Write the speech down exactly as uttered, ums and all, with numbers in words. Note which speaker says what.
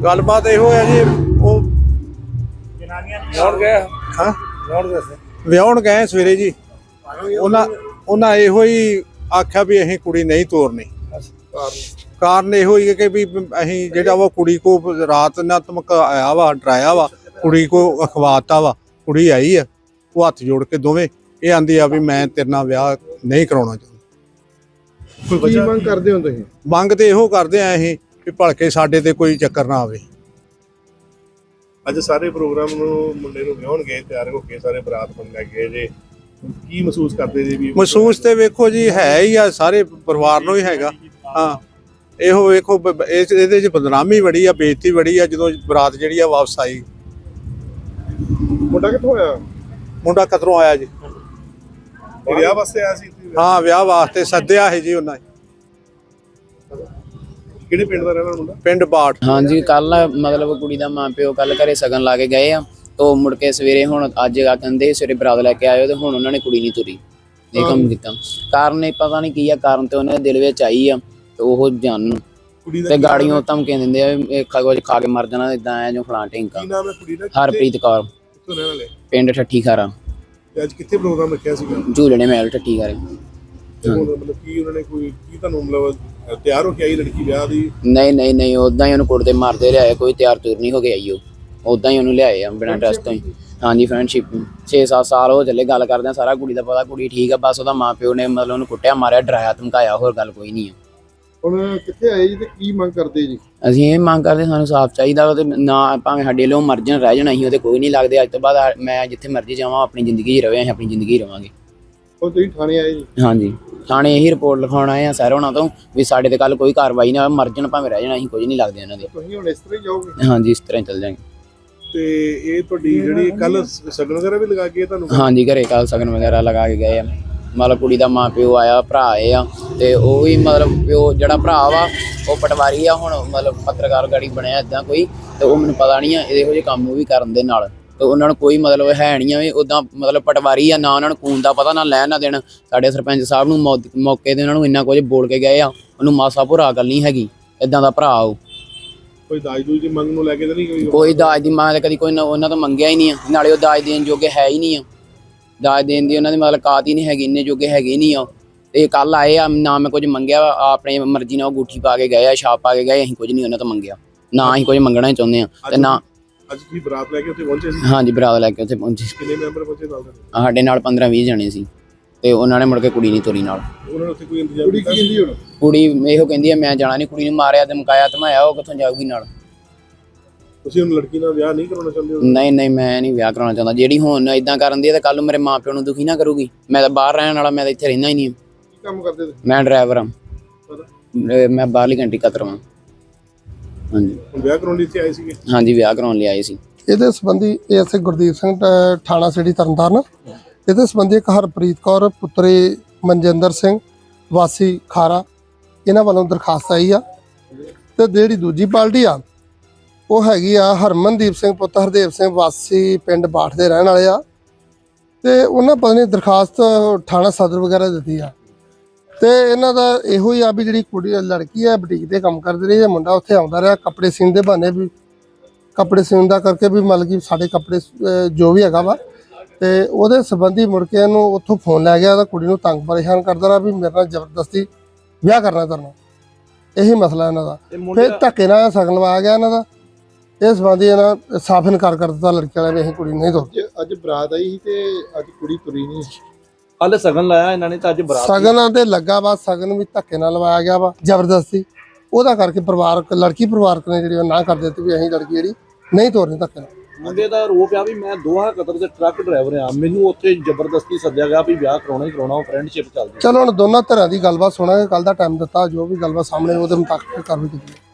Speaker 1: गलबात इहो है जी वो
Speaker 2: गए
Speaker 1: हाँ ਵਿਆਹੁਣ ਗਏ ਸਵੇਰੇ ਜੀ ਉਹਨਾਂ ਉਹਨਾਂ ਇਹੋ ਹੀ ਆਖਿਆ ਵੀ ਅਸੀਂ ਕੁੜੀ ਨਹੀਂ ਤੋਰਨੀ। ਕਾਰਨ ਇਹੋ ਹੀ ਕਿ ਵੀ ਅਸੀਂ ਜਿਹੜਾ ਵਾ ਕੁੜੀ ਕੋ ਰਾਤ ਨਾ ਧਮਕਾਇਆ ਵਾ ਡਰਾਇਆ ਵਾ ਕੁੜੀ ਕੋ ਅਖਵਾਤਾ ਵਾ। ਕੁੜੀ ਆਈ ਆ ਉਹ ਹੱਥ ਜੋੜ ਕੇ ਦੋਵੇਂ ਇਹ ਆਂਦੀ ਆ ਵੀ ਮੈਂ ਤੇਰੇ ਨਾਲ ਵਿਆਹ ਨਹੀਂ ਕਰਾਉਣਾ ਚਾਹੁੰਦਾ।
Speaker 3: ਕੀ ਮੰਗ ਕਰਦੇ ਹੋ ਤੁਸੀਂ?
Speaker 1: ਮੰਗ ਤੇ ਇਹੋ ਕਰਦੇ ਆ ਅਸੀਂ ਵੀ ਭਲਕੇ ਸਾਡੇ ਤੇ ਕੋਈ ਚੱਕਰ ਨਾ ਆਵੇ।
Speaker 3: ਅੱਜ ਸਾਰੇ ਪ੍ਰੋਗਰਾਮ ਨੂੰ ਮੁੰਡੇ ਨੂੰ ਵਿਆਹਣ ਗਏ ਤਿਆਰ ਹੋ ਕੇ ਸਾਰੇ ਬਰਾਤ ਬਣ ਲੈ ਗਏ ਜੇ ਕੀ ਮਹਿਸੂਸ ਕਰਦੇ ਜੀ? ਵੀ
Speaker 1: ਮਹਿਸੂਸ ਤੇ ਵੇਖੋ ਜੀ ਹੈ ਹੀ ਆ ਸਾਰੇ ਪਰਿਵਾਰ ਨੂੰ ਹੀ ਹੈਗਾ। ਹਾਂ ਇਹੋ ਵੇਖੋ ਇਸ ਇਹਦੇ ਚ ਬਦਨਾਮੀ ਬੜੀ ਆ ਬੇਇੱਜ਼ਤੀ ਬੜੀ ਆ ਜਦੋਂ ਬਰਾਤ ਜਿਹੜੀ ਆ ਵਾਪਸ ਆਈ।
Speaker 3: ਮੁੰਡਾ ਕਿੱਥੋਂ ਆਇਆ?
Speaker 1: ਮੁੰਡਾ ਕਤਰੋਂ ਆਇਆ ਜੀ।
Speaker 3: ਵਿਆਹ ਵਾਸਤੇ ਆਇਆ ਸੀ?
Speaker 1: ਹਾਂ ਵਿਆਹ ਵਾਸਤੇ ਸੱਦਿਆ ਹੈ ਜੀ ਉਹਨਾਂ
Speaker 3: ਕਿਹੜੇ ਪਿੰਡ ਦਾ ਰਹਿਣ ਵਾਲਾ ਮੁੰਡਾ?
Speaker 1: ਪਿੰਡ ਬਾਟ।
Speaker 4: हाँ जी कल मतलब कुड़ी दा मां प्यो कल घरे सगन ला के गए आ तो मुड़ के सवेरे हुण अज आ कहंदे सवेरे बरात लैके आए ते हुण उन्होंने कुड़ी नहीं तुरी ये काम कीता। कारण पता नहीं की आ कारण ते उन्हें दिल विच आई आ ते ओह जानन ते गाड़ियों धमकियां दिंदे आ खा कुछ खा के मर जाना इदां ऐ जो फलां ढिंका।
Speaker 3: ਕੀ ਨਾਮ ਹੈ ਕੁੜੀ ਦਾ?
Speaker 4: हरप्रीत कौर
Speaker 3: ਕਿੱਥੋਂ ਰਹਿਣ ਵਾਲੇ?
Speaker 4: पिंड ठट्ठी खारा
Speaker 3: ਤੇ ਅੱਜ ਕਿੱਥੇ ਪ੍ਰੋਗਰਾਮ ਰੱਖਿਆ ਸੀਗਾ?
Speaker 4: झूलने महल ठट्ठी खारे।
Speaker 3: ਤੇ ਹੁਣ ਮਤਲਬ ਕੀ ਉਹਨਾਂ ਨੇ ਕੋਈ ਕੀ ਤੁਹਾਨੂੰ ਮਤਲਬ ਤਿਆਰ ਹੋ ਕੇ ਆਈ ਲੜਕੀ ਵਿਆਹ ਦੀ?
Speaker 4: नहीं नहीं नहीं उदां ही उन्हें कुड़ते मारते लियाए कोई तैयार तुर नहीं हो के आई ਉਹ उदां ही उन्हें लियाए आ बिना टेस्ट तो ही। हाँ जी फ्रेंडशिप छे सत्त साल हो चले गल करदे आ सारा कुड़ी दा पता कुड़ी ठीक है बस ਉਹਦਾ ਮਾਂ ਪਿਓ ਨੇ मतलब ਉਹਨੂੰ ਕੁੱਟਿਆ ਮਾਰਿਆ ਡਰਾਇਆ ਧਮਕਾਇਆ ਹੋਰ ਗੱਲ ਕੋਈ ਨਹੀਂ ਆ।
Speaker 3: ਹੁਣ ਕਿੱਥੇ ਆਏ ਜੀ ਤੇ ਕੀ ਮੰਗ ਕਰਦੇ ਜੀ?
Speaker 4: ਅਸੀਂ ਇਹ ਮੰਗ ਕਰਦੇ ਸਾਨੂੰ ਸਾਫ਼ ਚਾਹੀਦਾ ਵਾ ਤੇ ਨਾ ਭਾਵੇਂ ਸਾਡੇ ਲੋ ਮਰ ਜਾਣ ਰਹਿ ਜਾਣ ਅਸੀਂ ਉਹਦੇ ਕੋਈ ਨਹੀਂ ਲੱਗਦੇ। ਅੱਜ ਤੋਂ ਬਾਅਦ ਮੈਂ ਜਿੱਥੇ ਮਰਜ਼ੀ ਜਾਵਾਂ ਆਪਣੀ ਜ਼ਿੰਦਗੀ 'ਚ ਰਵੇ ਅਸੀਂ ਆਪਣੀ ਜ਼ਿੰਦਗੀ ਰਵਾਂਗੇ।
Speaker 3: ਉਹ ਤੁਸੀਂ ਥਾਣੇ ਆਏ ਜੀ?
Speaker 4: ਹਾਂਜੀ ਥਾਣੇ ਇਹੀ ਰਿਪੋਰਟ ਲਿਖਾਉਣ ਆਏ ਆ ਸਰ ਹੋਣਾ ਤੋਂ ਵੀ ਸਾਡੇ ਤੇ ਕੱਲ ਕੋਈ ਕਾਰਵਾਈ ਨਾ ਹੋਵੇ ਮਰ ਜਾਣ ਭਾਵੇਂ ਰਹਿ ਜਾਣ ਅਸੀਂ ਕੁਝ ਨਹੀਂ ਲੱਗਦੇ ਇਹਨਾਂ ਦੇ।
Speaker 3: ਤੁਸੀਂ ਹੁਣ ਇਸ ਤਰ੍ਹਾਂ ਹੀ ਜਾਓਗੇ?
Speaker 4: ਹਾਂਜੀ ਇਸ ਤਰ੍ਹਾਂ ਹੀ ਚੱਲ ਜਾਵਾਂਗੇ।
Speaker 3: ਤੇ ਇਹ ਤੁਹਾਡੀ ਜਿਹੜੀ ਕੱਲ ਸਗਨ ਵਗੈਰਾ ਵੀ ਲਗਾ ਕੇ ਤੁਹਾਨੂੰ?
Speaker 4: ਹਾਂਜੀ ਘਰੇ ਕੱਲ ਸਗਨ ਵਗੈਰਾ ਲਗਾ ਕੇ ਗਏ ਆ ਮਤਲਬ ਕੁੜੀ ਦਾ ਮਾਂ ਪਿਓ ਆਇਆ ਭਰਾ ਆਏ ਆ ਤੇ ਉਹ ਵੀ ਮਤਲਬ ਪਿਓ ਜਿਹੜਾ ਭਰਾ ਵਾ ਉਹ ਪਟਵਾਰੀ ਆ ਹੁਣ ਮਤਲਬ ਪੱਤਰਕਾਰ ਗਾੜੀ ਬਣਿਆ ਇੱਦਾਂ ਕੋਈ ਤੇ ਉਹ ਮੈਨੂੰ ਪਤਾ ਨਹੀਂ ਆ ਇਹੋ ਜਿਹੇ ਕੰਮ ਉਹ ਵੀ ਕਰਨ ਦੇ ਨਾਲ ਤੇ ਉਹਨਾਂ ਨੂੰ ਕੋਈ ਮਤਲਬ ਹੈ ਨਹੀਂ ਆ ਵੀ ਉੱਦਾਂ ਮਤਲਬ ਪਟਵਾਰੀ ਆ ਨਾ ਉਹਨਾਂ ਨੂੰ ਖੂਨ ਦਾ ਪਤਾ ਨਾ ਲੈਣ ਨਾ ਦੇਣ। ਸਾਡੇ ਸਰਪੰਚ ਸਾਹਿਬ ਨੂੰ ਮੌਕੇ ਤੇ ਉਹਨਾਂ ਨੂੰ ਇੰਨਾ ਕੁਝ ਬੋਲ ਕੇ ਗਏ ਆ ਉਹਨੂੰ ਮਾਸਾ ਭੁਰਾ ਗੱਲ ਨਹੀਂ ਹੈਗੀ ਇੱਦਾਂ ਦਾ ਭਰਾ ਉਹ।
Speaker 3: ਕੋਈ ਦਾਜ ਦੂਜ ਦੀ ਮੰਗ ਨੂੰ ਲੈ ਕੇ ਤਾਂ ਨਹੀਂ ਕੋਈ?
Speaker 4: ਕੋਈ ਦਾਜ ਦੀ ਮੰਗ ਤਾਂ ਕਦੀ ਕੋਈ ਉਹਨਾਂ ਤੋਂ ਮੰਗਿਆ ਹੀ ਨਹੀਂ ਆ ਨਾਲੇ ਉਹ ਦਾਜ ਦੇਣ ਜੋਗੇ ਹੈ ਹੀ ਨਹੀਂ ਆ। ਦਾਜ ਦੇਣ ਦੀ ਉਹਨਾਂ ਦੀ ਮਤਲਬ ਕਾਤ ਹੀ ਨਹੀਂ ਹੈਗੀ ਇੰਨੇ ਜੋਗੇ ਹੈਗੇ ਹੀ ਨਹੀਂ ਆ। ਤੇ ਕੱਲ ਆਏ ਆ ਨਾ ਮੈਂ ਕੁਝ ਮੰਗਿਆ ਆਪਣੇ ਮਰਜ਼ੀ ਨਾਲ ਉਹ ਅੰਗੂਠੀ ਪਾ ਕੇ ਗਏ ਆ ਛਾਪ ਪਾ ਕੇ ਗਏ ਅਸੀਂ ਕੁਝ ਨਹੀਂ ਉਹਨਾਂ ਤੋਂ ਮੰਗਿਆ ਨਾ ਅਸੀਂ ਕੁਝ ਮੰਗਣਾ ਹੀ ਚਾਹੁੰਦੇ ਆ ਤੇ ਨਾ।
Speaker 3: ਅੱਜ ਤੁਸੀਂ ਬਰਾਤ ਲੈ ਕੇ ਉੱਥੇ ਪਹੁੰਚੇ ਸੀ?
Speaker 4: ਹਾਂਜੀ ਬਰਾਤ ਲੈ ਕੇ ਉੱਥੇ ਪਹੁੰਚੇ।
Speaker 3: ਕਿੰਨੇ ਮੈਂਬਰ ਪਹੁੰਚੇ ਨਾਲ?
Speaker 4: ਸਾਡੇ ਨਾਲ ਪੰਦਰਾਂ ਵੀਹ ਜਣੇ ਸੀ ਤੇ ਉਹਨਾਂ ਨੇ ਮੁੜ ਕੇ ਕੁੜੀ ਨਹੀਂ ਤੋਰੀ ਨਾਲ।
Speaker 3: ਉਹਨਾਂ ਨੇ ਉੱਥੇ ਕੋਈ ਇੰਤਜ਼ਾਮ ਕੀਤਾ? ਕੁੜੀ ਕੀ ਕਹਿੰਦੀ ਹੁਣ?
Speaker 4: ਕੁੜੀ ਇਹੋ ਕਹਿੰਦੀ ਆ ਮੈਂ ਜਾਣਾ ਨਹੀਂ ਕੁੜੀ ਨੂੰ ਮਾਰਿਆ ਤੇ ਮੁਕਾਇਆ ਧਮਾਇਆ ਉਹ ਕਿੱਥੋਂ ਜਾਊਗੀ ਨਾਲ।
Speaker 3: ਤੁਸੀਂ ਹੁਣ ਲੜਕੀ ਨਾਲ ਵਿਆਹ ਨਹੀਂ ਕਰਾਉਣਾ ਚਾਹੁੰਦੇ ਹੋ?
Speaker 4: ਨਹੀਂ ਨਹੀਂ ਮੈਂ ਨਹੀਂ ਵਿਆਹ ਕਰਾਉਣਾ ਚਾਹੁੰਦਾ। ਜਿਹੜੀ ਹੁਣ ਇਦਾਂ ਕਰਨ ਦੀ ਹੈ ਤਾਂ ਕੱਲ ਨੂੰ ਮੇਰੇ ਮਾਂ ਪਿਓ ਨੂੰ ਦੁਖੀ ਨਾ ਕਰੂਗੀ। ਮੈਂ ਤਾਂ ਬਾਹਰ ਰਹਿਣ ਵਾਲਾ ਮੈਂ ਤਾਂ ਇੱਥੇ ਰਹਿੰਦਾ ਹੀ ਨਹੀਂ।
Speaker 3: ਕੀ ਕੰਮ ਕਰਦੇ ਤੁਸੀਂ?
Speaker 4: ਮੈਂ ਡਰਾਈਵਰ ਹਾਂ ਮੈਂ ਬਾਹਰਲੀ ਕੰਟਰੀ ਕਤਰ ਹਾਂ। ਹਾਂਜੀ
Speaker 3: ਹੁਣ ਵਿਆਹ ਕਰਾਉਣ ਲਈ ਇੱਥੇ ਆਏ ਸੀਗੇ?
Speaker 4: ਹਾਂਜੀ ਵਿਆਹ ਕਰਾਉਣ ਲਈ ਆਏ ਸੀ।
Speaker 5: ਇਹਦੇ ਸੰਬੰਧੀ ਐਸਏ ਗੁਰਦੀਪ ਸਿੰਘ ਥਾਣਾ ਸਿਟੀ ਤਰਨਤਾਰਨ ਇਹਦੇ ਸੰਬੰਧੀ ਇੱਕ ਹਰਪ੍ਰੀਤ ਕੌਰ ਪੁੱਤਰੀ ਮਨਜਿੰਦਰ ਸਿੰਘ ਵਾਸੀ ਖਾਰਾ ਇਹਨਾਂ ਵੱਲੋਂ ਦਰਖਾਸਤ ਆਈ ਆ ਤੇ ਜਿਹੜੀ ਦੂਜੀ ਪਾਰਟੀ ਆ ਉਹ ਹੈਗੀ ਆ ਹਰਮਨਦੀਪ ਸਿੰਘ ਪੁੱਤ ਹਰਦੇਵ ਸਿੰਘ ਵਾਸੀ ਪਿੰਡ ਬਾਠ ਦੇ ਰਹਿਣ ਵਾਲੇ ਆ ਤੇ ਉਹਨਾਂ ਪਤਾ ਨਹੀਂ ਦਰਖਾਸਤ ਥਾਣਾ ਸਦਰ ਵਗੈਰਾ ਦਿੱਤੀ ਆ ਤੇ ਇਹਨਾਂ ਦਾ ਇਹੋ ਹੀ ਆ ਵੀ ਜਿਹੜੀ ਕੁੜੀ ਲੜਕੀ ਆ ਬੁਟੀਕ ਤੇ ਕੰਮ ਕਰਦੀ ਰਹੀ ਹੈ ਮੁੰਡਾ ਉੱਥੇ ਆਉਂਦਾ ਰਿਹਾ ਕੱਪੜੇ ਸੀਨ ਦੇ ਬਹਾਨੇ ਵੀ ਕੱਪੜੇ ਸੀਨ ਦਾ ਕਰਕੇ ਵੀ ਮਤਲਬ ਕਿ ਸਾਡੇ ਕੱਪੜੇ ਜੋ ਵੀ ਹੈਗਾ ਵਾ ਤੇ ਉਹਦੇ ਸੰਬੰਧੀ ਮੁੜ ਕੇ ਇਹਨੂੰ ਉੱਥੋਂ ਫੋਨ ਲੈ ਗਿਆ ਤਾਂ ਕੁੜੀ ਨੂੰ ਤੰਗ ਪਰੇਸ਼ਾਨ ਕਰਦਾ ਰਿਹਾ ਵੀ ਮੇਰੇ ਨਾਲ ਜ਼ਬਰਦਸਤੀ ਵਿਆਹ ਕਰਨਾ ਕਰਨਾ ਇਹੀ ਮਸਲਾ ਇਹਨਾਂ ਦਾ। ਫਿਰ ਧੱਕੇ ਨਾਲ ਸਗਨ ਲਵਾਇਆ ਗਿਆ ਇਹਨਾਂ ਦਾ। ਇਸ ਸੰਬੰਧੀ ਇਹਨਾਂ ਸਾਫ਼ ਇਨਕਾਰ ਕਰ ਦਿੱਤਾ ਲੜਕੀ ਵਾਲਿਆਂ ਨੇ ਅਸੀਂ ਕੁੜੀ ਨਹੀਂ ਤੋਰਦੇ।
Speaker 3: ਅੱਜ ਬਰਾਤ ਆਈ ਸੀ ਤੇ ਅੱਜ ਕੁੜੀ ਤੁਰੀ ਨਹੀਂ।
Speaker 2: ਕੱਲ ਸਗਨ ਲਾਇਆ ਇਹਨਾਂ ਨੇ ਤਾਂ ਅੱਜ ਬਰਾਤ
Speaker 5: ਸਗਨਾਂ ਤੇ ਲੱਗਾ ਵਾ ਸਗਨ ਵੀ ਧੱਕੇ ਨਾਲ ਲਵਾਇਆ ਗਿਆ ਵਾ ਜ਼ਬਰਦਸਤੀ ਉਹਦਾ ਕਰਕੇ ਪਰਿਵਾਰਕ ਲੜਕੀ ਪਰਿਵਾਰਕ ਨੇ ਜਿਹੜੀ ਨਾ ਕਰ ਦਿੱਤੀ ਵੀ ਅਸੀਂ ਲੜਕੀ ਜਿਹੜੀ ਨਹੀਂ ਤੋਰਨੀ ਧੱਕੇ ਨਾਲ।
Speaker 2: ਮੁੰਡੇ ਦਾ ਰੋਪ ਆ ਵੀ ਮੈਂ ਦੋਹਾ ਕਤਰ ਦੇ ਟਰੱਕ ਡਰਾਈਵਰ ਆ ਮੈਨੂੰ ਉੱਥੇ ਜ਼ਬਰਦਸਤੀ ਸੱਦਿਆ ਗਿਆ ਵੀ ਵਿਆਹ ਕਰਾਉਣਾ ਹੀ ਕਰਾਉਣਾ ਉਹ ਫਰੈਂਡਸ਼ਿਪ ਚੱਲਦੀ।
Speaker 5: ਚਲੋ ਹੁਣ ਦੋਨਾਂ ਧਿਰਾਂ ਦੀ ਗੱਲਬਾਤ ਸੁਣਾਂਗੇ ਕੱਲ ਦਾ ਟਾਈਮ ਦਿੱਤਾ ਜੋ ਵੀ ਗੱਲਬਾਤ ਸਾਹਮਣੇ ਉਹਦੇ ਮੁਤਾਬਕ ਕਾਰਵਾਈ ਕੀਤੀ।